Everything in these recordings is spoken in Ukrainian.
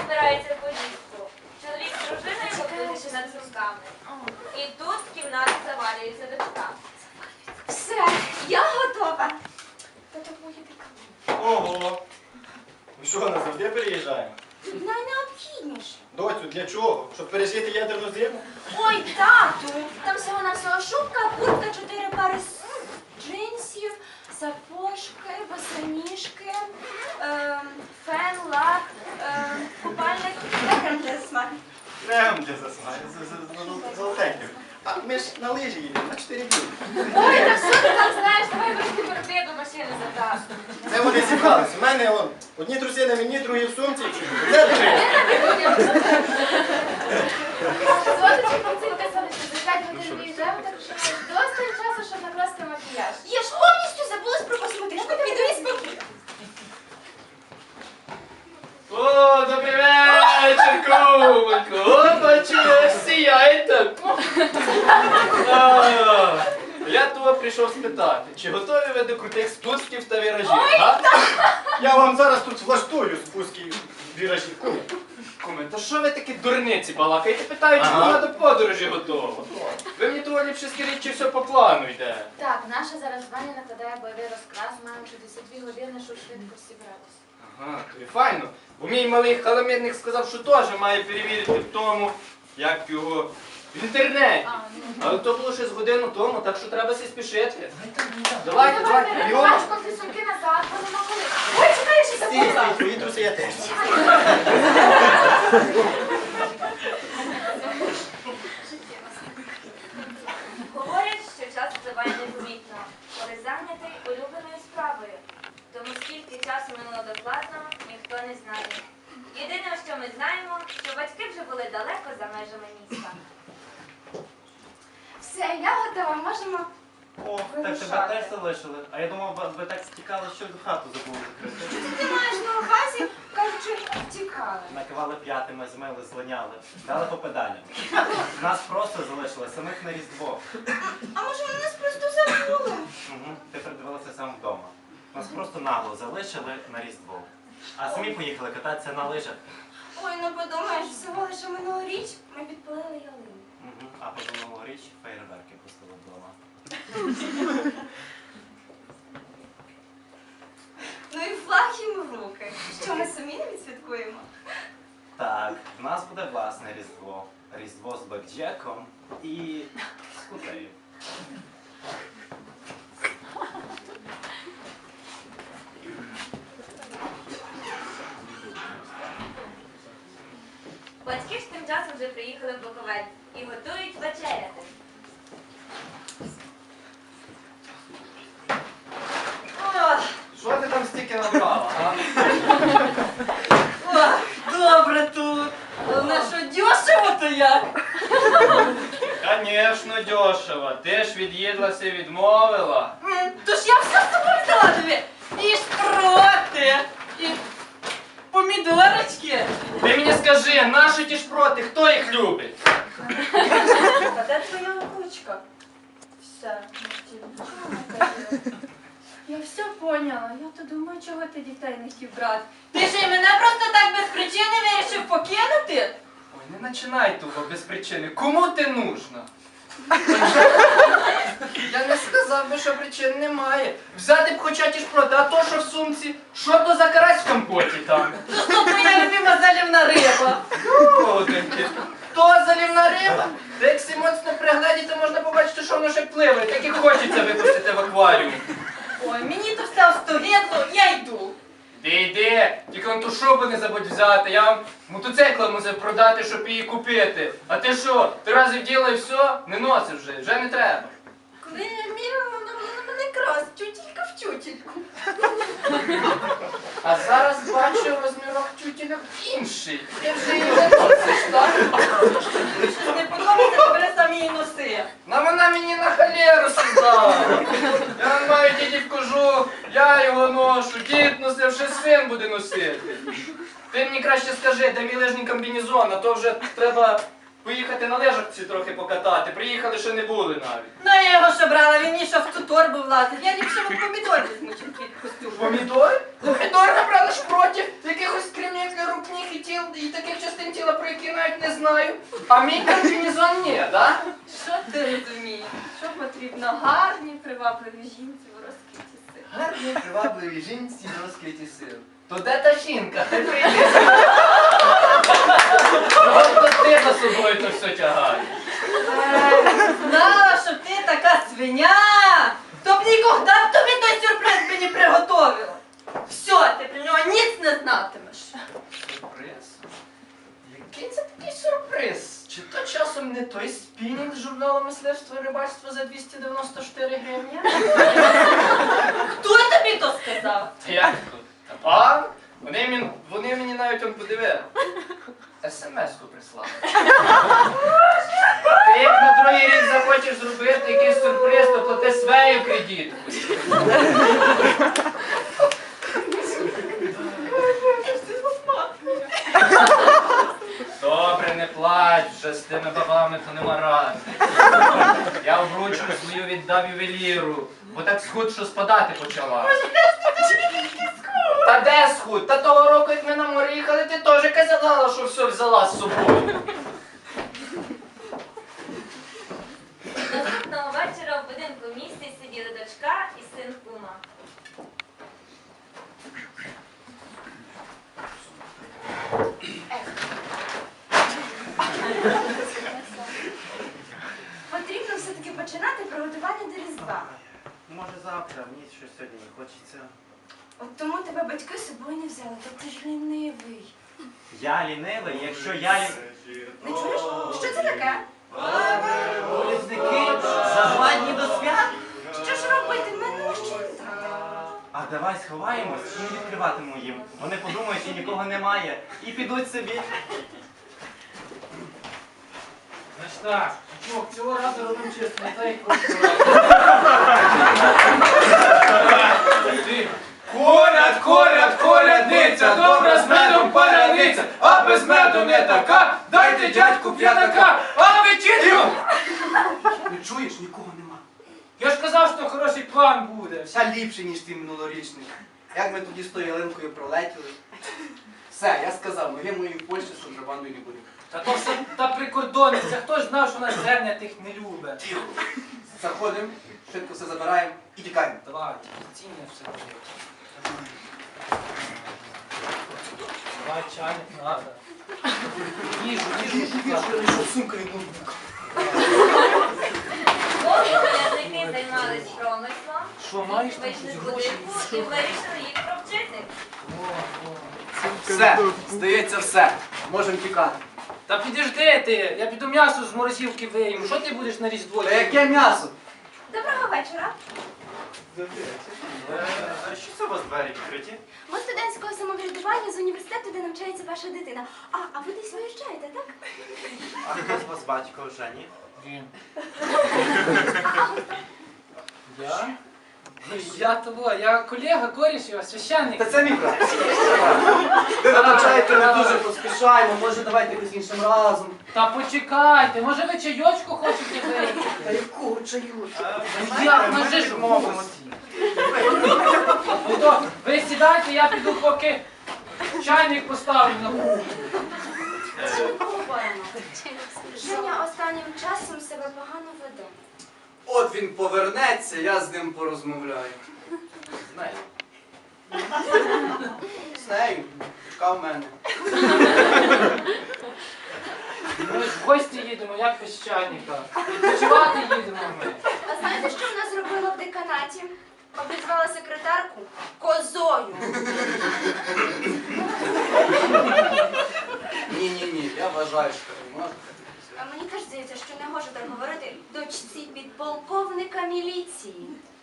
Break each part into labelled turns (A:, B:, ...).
A: збирається в поїздку. Чоловік з дружиною покрутивши над сумками. І тут в кімнату завалюється дочка.
B: Все, я готова. Та твоя така.
C: Ого! Ви що, назавжди переїжджаємо?
B: Найнеобхідніше.
C: Доцю, для чого? Щоб пережити ядерну зиму?
B: Ой, тату, там всього-навсього шубка, куртка, 4 пари джинсів, сапожки, босоніжки, фен, лак, купальник, крем для засмаги.
C: Крем для засмаги, золотеньких. А ми ж на лижі їдемо, на 4 дні.
A: Ой, та що ти там знаєш? Давай верхи борти до машини задаш.
C: Це вони зібрались. У мене одні труси на мені, другі в сумці. Це три.
D: Золоточка, пацинка, сонечко, за 5 годин виїжджаємо, так що маєш досить часу, щоб накласти макіяж.
B: Я ж повністю забулась про косметичку, піду і спокійно.
E: О, добрий вечір, кумонько! О, бачу, ви сіяєте. Я того прийшов спитати, чи готові ви до крутих спусків та віражів, а?
C: Я вам зараз тут влаштую спуски віражів. Куми.
E: Куме, та що ви такі дурниці балакаєте? Питаю, чи вона до подорожі готова? Ви мені того ліпше скажіть, чи все по плану йде?
D: Так, наша зараз Ваня накладає бойовий розкрас, маємо 62 години, щоб швидко зібратися.
E: Ага, то і файно. Бо мій малий халамідник сказав, що теж має перевірити в тому, як його в інтернеті. Але то було ще з годину тому, так що треба сі спішити. Давайте, давайте, бігом.
D: Бачко, ти сумки назад, бо нема коли.
B: Ой, чекай, я ще
C: Стій,
B: забула.
C: стій, твої труси я теж.
A: Говорять, що час впливає непомітно, коли зайнятий улюбленою справою. Тому скільки часу минуло докладно, ніхто не знає. Єдине, що ми знаємо, що батьки вже були далеко за межами міста.
B: Все, я готова, можемо.
F: О, так тебе теж залишили. А я думав, ви так стікали, що хату забули закрити.
B: Що ти маєш на увазі, кажучи, втікали?
F: Накивали п'ятими, змили, злиняли, дали по педалям. Нас просто залишили, самих на Різдво.
B: А може вони нас просто забули?
F: Угу. Ти придивилася сам вдома. Нас просто нагло залишили на Різдво. А самі поїхали кататися на лижах.
B: Ой, ну подумаєш, всього лише минулоріч ми підпалили ялину.
F: Угу. А по річ фейерверки пустили вдома.
B: Ну і флаг їм в руки. Що ми самі не відсвяткуємо?
F: Так, в нас буде власне Різдво. Різдво з бекджеком і з кутею.
A: Батьки ж тим часом вже приїхали в Буковель і готують вечеряти.
E: Що ти там стільки набрала, а?
G: Добре тут. Головне, що дешево то як.
E: Конечно, дешево. Ти ж від'їдлася, відмовила.
G: Тож я все з собою взяла тобі. І шпроти, і помідорочки.
E: Ти мені скажи, наші ті шпроти, хто їх любить?
G: А де твоя ручка? Все. Я все поняла. Я то думаю, чого ти дітей не хотів брати. Ти ж і мене просто так без причини вирішив покинути?
E: Ой, не починай того без причини. Кому ти нужна? Я не сказав би, що причин немає. Взяти б хоча ті шпроти, а то, що в сумці, що то за карась в компоті там?
G: То що твоя любима залівна риба?
E: Родинки. То залівна риба? Та як си моцно пригледіти, можна побачити, що воно ще пливе, так і хочеться випустити в акваріум.
G: Ой, мені то все остогидло, я йду.
E: Йди, тільки он ту шубу не забудь взяти, я вам мотоцикла мусив продати, щоб її купити. А ти що, 3 рази вділа і все? Не носиш вже не треба.
G: Коли я міряла, вона була на мене крас, тютілька в тютільку.
E: А зараз бачу розмірок тютіля інший. Ти вже її не носиш, так?
G: Щось не подобається, то бери самі її носи.
E: На вона мені на халеру сідала. Я маю дідів кожух, я його ношу, дід носив, ще син буде носити. Ти мені краще скажи, де мій лижний комбінезон, а то вже треба поїхати на лижакці трохи покатати. Приїхали, ще не були навіть.
G: Ну я його що брала, він мені що в цю торбу влазить. Я ліпше от помідор візьму, чим твій костюм.
E: Помідор? Помідор набрали ж проти якихось кремів для рук, ніг і тіл, і таких частин тіла, про які навіть не знаю. А мій комбінезон ні, да?
G: Що ти розумієш? Що потрібно гарній, привабливій жінці в розквіті сил?
E: Гарні, привабливі жінці в розквіті сил. То де та жінка? Ти прийди. Просто ти за собою то все тягаєш.
G: Знала, що ти така свиня! То б ніколи б тобі той сюрприз мені приготовила. Все, ти про нього ніц не знатимеш.
E: Сюрприз? Який це такий сюрприз? Чи то часом не той спінінг з журналу «Мисливство і рибальство» за 294 гривні?
G: Хто тобі то сказав?
E: Як тут? А? Вони мені навіть он подивили. СМС-ку прислали. Ти як на другий рік захочеш зробити якийсь сюрприз, то плати свою кредитку. Добре, не плач, вже з тими бабами то нема ради. Я обручку свою віддав ювеліру, бо так схуд, що спадати почала. Та де схуд? Та того року, як ми на море їхали, ти теж казала, що все взяла з собою.
A: Наступного вечора в будинку в місті сиділи дочка і син кума.
B: Потрібно все-таки починати приготування до Різдва.
F: Може завтра, мені щось сьогодні не хочеться.
B: От тому тебе батьки з собою не взяли, та ти ж лінивий.
F: Я лінивий, якщо я лінивий.
B: Не чуєш? Що це таке?
F: Полізники за 2 дні до свят?
B: Що ж робити? Мене ще не так.
F: А давай сховаємось і не відкриватимемо їм. Вони подумають, що нікого немає, і підуть собі.
E: Значить так, чувак, цього разу робимо чисто, не так як просто. Колядниця, добра з медом паляниця, а без меду не така, дайте дядьку п'ятака, а вечірку!
H: Не чуєш, нікого нема.
E: Я ж казав, що хороший план буде.
H: Вся ліпше, ніж ти минулорічний. Як ми тоді з тою ялинкою пролетіли. Все, я сказав, ми мої в Польщі з контрабандою не будемо.
E: Та то все та прикордонниця, хто ж знав, що нас зерня тих не любить.
H: Тихо. Заходимо, швидко все забираємо і тікаємо.
E: Давай, цінне все буде. Давай, чайник надо. Їжу,
H: Що сумка від ноутбука.
A: Поки колядники займались промислом,
E: Що, маєш там
A: вийшли з
E: щось гроші?
A: будинку і вирішили їх провчити.
H: Все, здається, все. Можемо тікати.
E: Та підожди ти, я піду м'ясо з морозилки виїм. Що ти будеш на Різдво?
H: Та яке м'ясо?
B: Доброго вечора.
F: Що це у вас двері відкриті?
B: Ми студентського самоврядування з університету, де навчається ваша дитина. А ви десь виїжджаєте, так?
F: А хто з вас батько вже, ні?
E: Він. Я? Я того, я колега, коріш його, священник.
H: Та це мій брат. Ви навчаєте, ми дуже поспішаємо, може давайте якось іншим разом.
E: Та почекайте, може ви чайочку хочете випити?
H: Та якого чаю?
E: Як на ж мовимо? Ну то, ви сідайте, я піду поки чайник поставлю на кухню.
B: Женя останнім часом себе погано веде.
H: От він повернеться, я з ним порозмовляю.
E: З нею.
H: З нею. Чекав мене.
E: Ми ж в гості їдемо, як без чайника. Відпочивати їдемо ми.
B: А знаєте, що вона зробила в деканаті? Обізвала секретарку козою.
H: Ні, я вважаю, що не можна.
B: А мені теж здається, що не можу так говорити дочці підполковника міліції.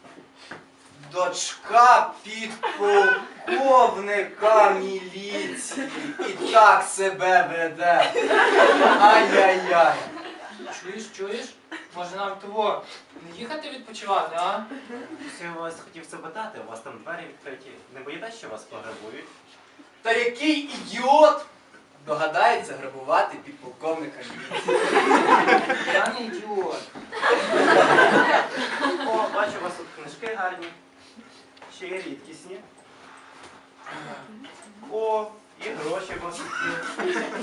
H: Дочка підполковника міліції і так себе веде. Ай-яй-яй.
E: Чуєш? Може нам того не їхати відпочивати, а?
F: Я вас хотів запитати, у вас там двері відкриті. Не боїтесь, що вас пограбують?
H: Та який ідіот догадається грабувати підполковника міліції. Я не ідіот.
F: О, бачу, у вас тут книжки гарні. Ще й рідкісні. О, і гроші у вас тут є.